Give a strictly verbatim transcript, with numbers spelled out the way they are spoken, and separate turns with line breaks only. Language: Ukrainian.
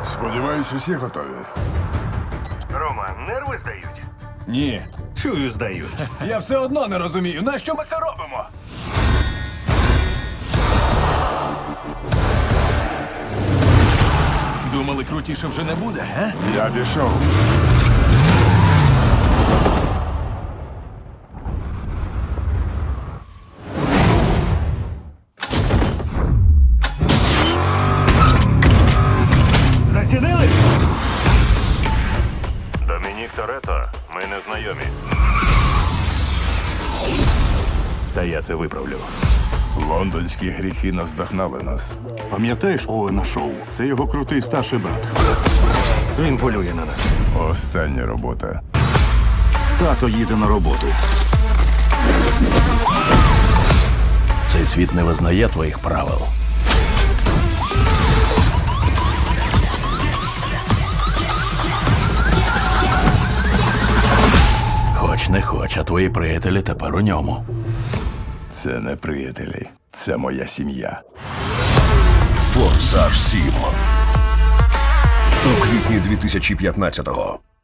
Сподіваюсь, усі готові.
Рома, нерви здають?
Ні.
Чую, здають.
Я все одно не розумію, нащо ми це робимо? Думали, крутіше вже не буде, га?
Я пішов.
Зацінили?
Домінік Торетто, ми не знайомі. Та я це виправлю.
Лондонські гріхи наздогнали нас.
Пам'ятаєш Оуена Шоу? Це його крутий старший брат.
Він полює на нас.
Остання робота.
Тато їде на роботу.
Цей світ не визнає твоїх правил. Хоч не хоч, а твої приятелі тепер у ньому.
Це не приятелі. Це моя сім'я.
Форсаж сім. У квітні дві тисячі п'ятнадцятого.